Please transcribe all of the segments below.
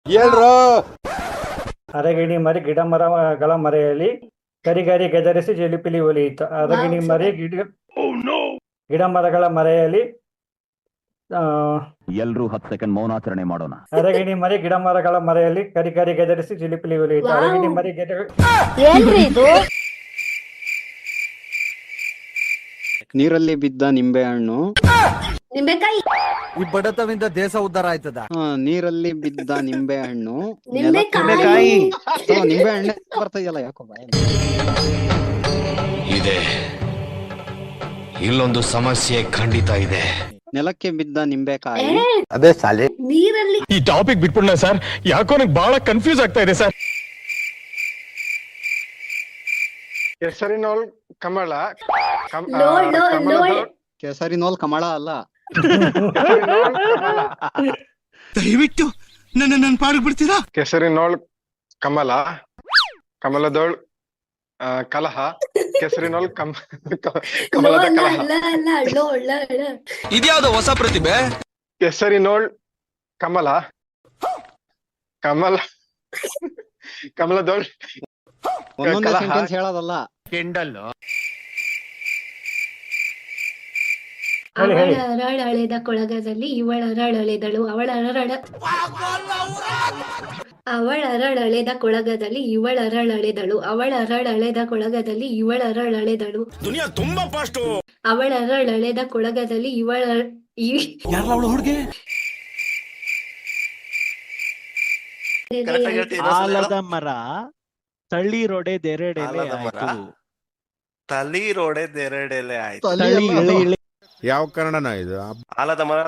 ಹೇಳ್ರು. ಅರಗಿಣಿ ಮರಿ ಗಿಡ ಮರಗಳ ಮರೆಯಲ್ಲಿ ಕರಿಗರಿ ಗೆದರಿಸಿ ಜಿಲಿಪಿಲಿ ಒಲಿಯಿತು. ಅರಗಿಣಿ ಮರಿ ಗಿಡ ಮರಗಳ ಮರೆಯಲ್ಲಿ ಎಲ್ರೂ 10 ಸೆಕೆಂಡ್ ಮೌನಾಚರಣೆ ಮಾಡೋಣ. ಅರಗಿಣಿ ಮರಿ ಗಿಡ ಮರಗಳ ಮರೆಯಲ್ಲಿ ಕರಿಗರಿ ಗೆದರಿಸಿ ಜಿಲಿಪಿಲಿ ಒಲಿಯಿತು. ಅರಗಿಣಿ ಮರಿ ನೀರಲ್ಲಿ ಬಿದ್ದ ನಿಂಬೆಹಣ್ಣು. ನಿಂಬೆಕಾಯಿ. ಈ ಬಡತವಿಂದ ದೇಶ ಉದ್ಧಾರ ಆಯ್ತದ. ನೀರಲ್ಲಿ ಬಿದ್ದ ನಿಂಬೆಹಣ್ಣು. ನಿಂಬೆಕಾಯಿ. ನಿಂಬೆಹಣ್ಣೆ ಬರ್ತಾ ಇದೆಯಲ್ಲ ಯಾಕೋ ಇದೆ. ಇಲ್ಲೊಂದು ಸಮಸ್ಯೆ ಖಂಡಿತ ಇದೆ. ನೆಲಕ್ಕೆ ಬಿದ್ದ ನಿಂಬೆಕಾಯಿ. ಅದೇ ಸಾಲಿ. ನೀರಲ್ಲಿ. ಈ ಟಾಪಿಕ್ ಬಿಟ್ಬಿಡ್ನ ಸರ್, ಯಾಕೋ ನನಗೆ ಬಹಳ ಕನ್ಫ್ಯೂಸ್ ಆಗ್ತಾ ಇದೆ ಸರ್. ಕೆಸರಿನೋಳ್ ಕಮಲ. ಕೆಸರಿನೋಲ್ ಕಮಲ ಅಲ್ಲ. ದಯವಿಟ್ಟು ನನ್ನ ಪಾಡಿಗೆ ಬಿಡ್ತೀರಾ? ಕೆಸರಿನೋಳ್ ಕಮಲ. ಕಮಲದೋಳ್ ಕಲಹ. ಕೆಸರಿನೋಳ್ ಕಮಲದ ಕಲಹ. ಇದ್ಯಾವ್ದು ಹೊಸ ಪ್ರತಿಭೆ? ಕೆಸರಿನೋಳ್ ಕಮಲ. ಕಮಲದೋಳ್ ಒಂದೊಂದೇ ಸೆಂಟೆನ್ಸ್ ಹೇಳೋದಲ್ಲ. ಅವಳರಳೆದ ಕೊಳಗದಲ್ಲಿ ಇವಳರಳೆದಳು. ಅವಳರಳೆದ ಕೊಳಗದಲ್ಲಿ ಇವಳರಳೆದಳು. ಅವಳರಳೆದ ಕೊಳಗದಲ್ಲಿ ಇವಳರಳೆದಳು. ದುನಿಯಾ ತುಂಬಾ ಫಾಸ್ಟ್. ಅವಳರಳೆದ ಕೊಳಗದಲ್ಲಿ ಹುಡುಗಿ ಆಲದ ಮರ ತಳಿರೊಡೆದೆರಡೆಲೆ ಆಯ್ತು. ತಳಿರೊಡೆದೆರಡೆಲೆ ಆಯ್ತು. ಯಾವ ಕನ್ನಡನ ಇದು? ಆಲದ ಮರ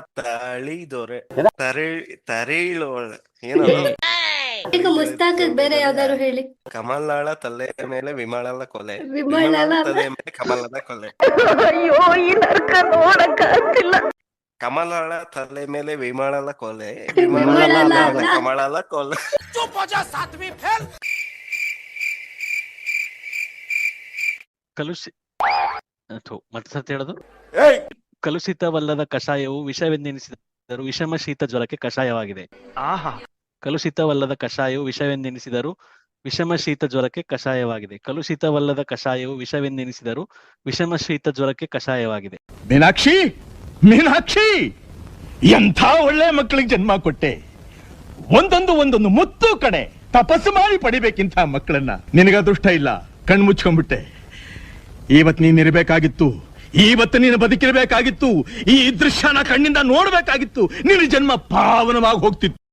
ತರಿಳೋಳ ಏನದು? ಈಗ ಮುಸ್ತಾಕ್ ಬೇರೆ ಯಾವ್ದಾರು ಹೇಳಿ. ಕಮಲಾಳ ತಲೆ ಮೇಲೆ ವಿಮಳಳ ಕೊಲೆ. ವಿಮಳಳ ತಲೆ ಮೇಲೆ ಕಮಲದ ಕೊಲೆ. ಕಮಲಾಳ ತಲೆ ಮೇಲೆ ವಿಮಳಳ ಕೊಲೆ. ಕಮಲದ ಕೊಲೆ. ಕಲುಷಿತವಲ್ಲದ ಕಷಾಯವು ವಿಷವೆಂದೆನಿಸಿದರು ವಿಷಮ ಶೀತ ಜ್ವರಕ್ಕೆ ಕಷಾಯವಾಗಿದೆ. ಕಲುಷಿತವಲ್ಲದ ಕಷಾಯವು ವಿಷವೆಂದೆನಿಸಿದರು ವಿಷಮ ಶೀತ ಜ್ವರಕ್ಕೆ ಕಷಾಯವಾಗಿದೆ. ಕಲುಷಿತವಲ್ಲದ ಕಷಾಯವು ವಿಷವೆಂದೆನಿಸಿದರು ವಿಷಮ ಶೀತ ಜ್ವರಕ್ಕೆ ಕಷಾಯವಾಗಿದೆ. ಮೀನಾಕ್ಷಿ, ಎಂಥ ಒಳ್ಳೆ ಮಕ್ಕಳಿಗೆ ಜನ್ಮ ಕೊಟ್ಟೆ. ಒಂದೊಂದು ಮುತ್ತು ಕಡೆ ತಪಸ್ಸು ಮಾಡಿ ಪಡಿಬೇಕಿಂತ ಮಕ್ಕಳನ್ನ. ನಿನಗ ಅದೃಷ್ಟ ಇಲ್ಲ, ಕಣ್ಮುಚ್ಕೊಂಡ್ಬಿಟ್ಟೆ. ಇವತ್ತು ನೀನ್ ಇರಬೇಕಾಗಿತ್ತು, ಇವತ್ತು ನೀನು ಬದುಕಿರಬೇಕಾಗಿತ್ತು, ಈ ದೃಶ್ಯನ ಕಣ್ಣಿಂದ ನೋಡ್ಬೇಕಾಗಿತ್ತು. ನಿನ್ನ ಜನ್ಮ ಪಾವನವಾಗಿ ಹೋಗ್ತಿತ್ತು.